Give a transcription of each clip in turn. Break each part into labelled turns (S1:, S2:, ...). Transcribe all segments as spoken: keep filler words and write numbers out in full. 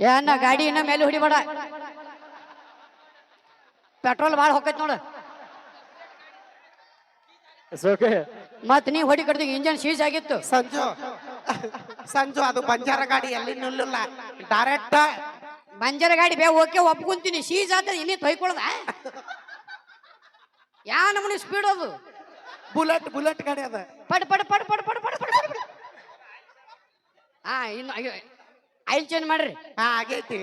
S1: ಏ ಅಣ್ಣ ಗಾಡಿ ಇನ್ನ ಮೇಲೆ ಹೊಡಿಬೇಡ, ಪೆಟ್ರೋಲ್ ಭಾಳ ಹೋಗೈತ್ ನೋಡು. ಮತ್ ನೀ ಹೊಡಿ ಕಡ್ದಿ ಇಂಜನ್ ಸೀಜ್ ಆಗಿತ್ತು.
S2: ಸಂಜು ಸಂಜು ಅದು ಬಂಜಾರ ಗಾಡಿ ಎಲ್ಲಿ ನಿಲ್ಲಲ್ಲ, ಡೈರೆಕ್ಟ್
S1: ಬಂಜಾರ ಗಾಡಿ ಬೇ ಓಕೆ ಒಪ್ಕೊಂತೀನಿ. ಸೀಜ್ ಆದ ಇನ್ನೇ ತೊಯ್ಕೊಳ್ದ ಯಾ ನಮ್ಮನಿ ಸ್ಪೀಡ್ ಅದು.
S2: ಬುಲೆಟ್ ಬುಲೆಟ್ ಗಾಡಿ ಅದ.
S1: ಪಡ್ ಪಡ್ ಪಡ್ ಪಡ್ ಪಡ್ ಪಡ್ ಪಡ್ ಪಡ್ ಹಾ ಇನ್ನು ಆಯಿಲ್ ಚೇಂಜ್ ಮಾಡ್ರಿ.
S2: ಹಾ ಆಗೈತಿ.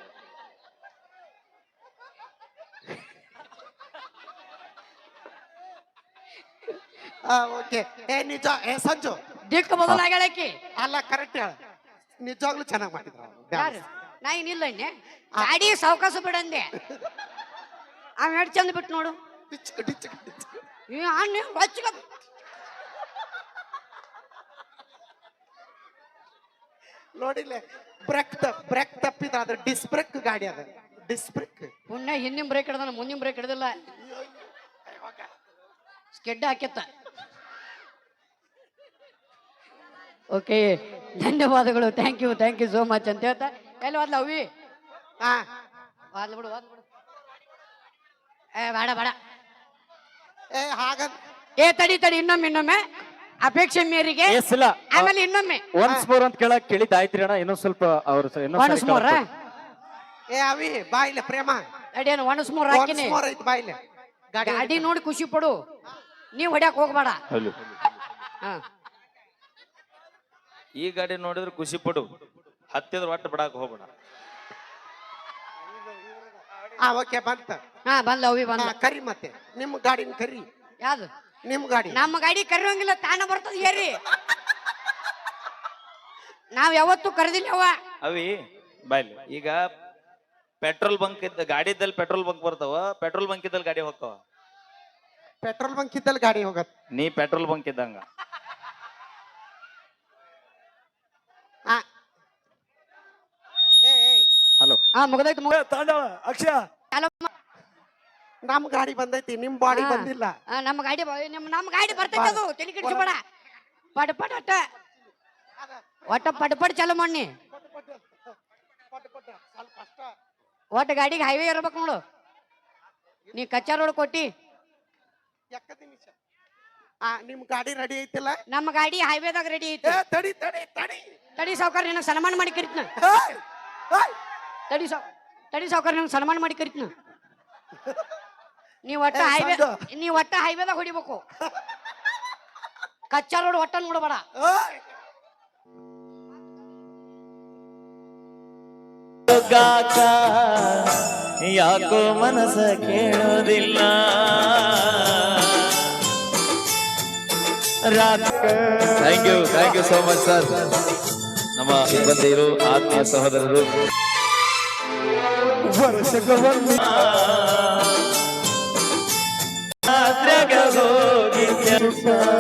S2: ಹಾ ಓಕೆ. ಏ ನಿಜ ಏ ಸಂಜು
S1: ದಿಕ್ಕ ಬದಲಾಗ್ಯಾಳಕಿ.
S2: ಅಲ್ಲ ಕರೆಕ್ಟ್ ಹೇಳ, ನಿಜವಾಗ್ಲೂ ಚೆನ್ನಾಗಿ ಮಾಡಿದ್ರ.
S1: ಯಾರು ನಾ ಏನಿಲ್ಲ ಇನ್ನೆ ಗಾಡಿ ಸಾವಕಾಶ ಬಿಡಂದೆ. ಅವ್ ಎಷ್ಟು ಚಂದ ಬಿಟ್ಟು ನೋಡು.
S2: ನೋಡಿಲ್ಲ ಬ್ರೇಕ್ ಬ್ರೇಕ್ ತಪ್ಪಿದ ಅದ್ರ ಡಿಸ್ ಬ್ರೇಕ್ ಗಾಡಿ ಅದ. ಡಿಸ್ ಬ್ರೇಕ್
S1: ಪುಣ್ಯ ಹಿಂದಿನ ಬ್ರೇಕ್ ಹಿಡ್ದಾನ, ಮುಂದಿನ ಬ್ರೇಕ್ ಹಿಡ್ದಿಲ್ಲ. ಸ್ಕೆಡ್ ಹಾಕ್ಯತ್ತ. ಓಕೆ ಧನ್ಯವಾದಗಳು, thank you thank you so much ಅಂತ ಹೇಳ್ತಾ ಎಲ್ಲಿ ಹೋದ್ಲ ಅವಿ?
S2: ಹಾ
S1: ಹೋದ್ಲ ಬಿಡು ಹೋದ್ಲ ಬಿಡು. ಏ ಬೇಡ ಬೇಡ.
S2: ಏ ಹಾಗ
S1: ಏ ತಡಿ ತಡಿ ಇನ್ನೊಮ್ಮೆ ಇನ್ನೊಮ್ಮೆ ಅಪೇಕ್ಷೆ ಮೇರೆಗೆ ಆಮೇಲೆ ಇನ್ನೊಮ್ಮೆ
S3: ಒನ್ಸ್ ಮೋರ್ ಅಂತ ಕೇಳಕ್ ಕೇಳಿದ್ದಾಯ್ತ್ರಿ ಅಣ್ಣ. ಇನ್ನೊಂದ್ ಸ್ವಲ್ಪ ಅವ್ರು
S1: ಒನ್ಸ್ ಮೋರ್.
S2: ಏ ಅವಿ ಬಾಯಿಲೆ ಪ್ರೇಮ
S1: ತಡಿ ಏನು ಒನ್ಸ್ ಮೋರ್ ಹಾಕಿನಿ.
S2: ಬಾಯಿಲೆ
S1: ಗಾಡಿ ನೋಡಿ ಖುಷಿ ಪಡು, ನೀವ್ ಹೊಡ್ಯಾಕ್ ಹೋಗ್ಬೇಡ. ಹಾ
S4: ಈ ಗಾಡಿ ನೋಡಿದ್ರೆ ಖುಷಿ ಪಡು, ಹತ್ತಿದ್ರ ಒಟ್ಟು ಬಿಡಾಕ ಹೋಗ್ಬೇಡ.
S2: ಹಾ ಓಕೆ ಬಂತ.
S1: ಹಾ ಬಂದ ಅವಿ ಬಂದ.
S2: ಕರಿ ಮತ್ತೆ ನಿಮ್ ಗಾಡಿನ ಕರಿ.
S1: ಯಾವ್ದು
S2: ನಿಮ್ ಗಾಡಿ?
S1: ನಮ್ಮ ಗಾಡಿ ಕರೆಯೋಂಗಿಲ್ಲ, ತಾನ ಬರ್ತದ ಏರಿ. ನಾವ್ ಯಾವತ್ತು ಕರೆದಿಲ್ಲ ಅವ.
S4: ಅವಿ ಬಾಯ್ಲಿ. ಈಗ ಪೆಟ್ರೋಲ್ ಬಂಕ್ ಇದ್ದ ಗಾಡಿ ಇದ್ದಲ್ಲಿ ಪೆಟ್ರೋಲ್ ಬಂಕ್ ಬರ್ತಾವ, ಪೆಟ್ರೋಲ್ ಬಂಕ್ ಇದ್ದಲ್ಲಿ ಗಾಡಿ ಹೋಗ್ತಾವ.
S2: ಪೆಟ್ರೋಲ್ ಬಂಕ್ ಇದ್ದಲ್ಲಿ ಗಾಡಿ ಹೋಗತ್.
S4: ನೀ ಪೆಟ್ರೋಲ್ ಬಂಕ್ ಇದ್ದಂಗ.
S3: ಹಲೋ
S1: ಹಾ ಮುಗದೈತಿ ಮುಗ
S3: ತಾಂಡವ ಅಕ್ಷಯ.
S2: ನಮ್ ಗಾಡಿ ಬಂದೈತಿ, ನಿಮ್ ಬಾಡಿ ಬಂದಿಲ್ಲ.
S1: ನಮ್ಮ ಗಾಡಿ ನಮ್ಮ ನಮ್ಮ ಗಾಡಿ ಬರ್ತೈತಿ, ಅದು ತಲೆ ಕೆಡಿಸ್ಬೇಡ. ಪಟ್ ಪಟ್ ಒಟ್ಟ ಒಟ್ಟ ಪಟ್ ಪಟ್ ಚಾಲು ಮಾಡಿ. ಒಟ್ಟ ಗಾಡಿಗೆ ಹೈವೇ ಇರ್ಬೇಕು ನೋಡು. ನೀ ಕಚ್ಚಾ ರೋಡ್ ಕೊಟ್ಟಿ.
S2: ನಿಮ್ ಗಾಡಿ ರೆಡಿ ಐತಿಲ್ಲ?
S1: ನಮ್ಮ ಗಾಡಿ ಹೈವೇದಾಗ ರೆಡಿ ಐತಿ.
S2: ತಡಿ ತಡಿ ತಡಿ
S1: ತಡಿ ಸಾವುಕಾರ, ನಿನಗೆ ಸನ್ಮಾನ ಮಾಡಿ ಕರಿತ್ನ. ತಡಿ ಸಾವ್ ತಡಿ ಸಾವುಕಾರ, ನಿನಗೆ ಸನ್ಮಾನ ಮಾಡಿ ಕರಿತ್ನ. ನೀವ್ ಒಟ್ಟ ಹೈವೇ ನೀವ್ ಒಟ್ಟ ಹೈವೇದಾಗ ಹೊಡಿಬೇಕು. ಕಚ್ಚಾ ರೋಡ್ ಒಟ್ಟ ನೋಡಬೇಡ.
S4: ಯಾಕೋ ಮನಸ ಕೇಳೋದಿಲ್ಲ. Thank you thank you so much sir. ನಮ್ಮ ಸಿಬ್ಬಂದಿರು, ಆತ್ಮೀಯ ಸಹೋದರರು, ಹೋಗಿ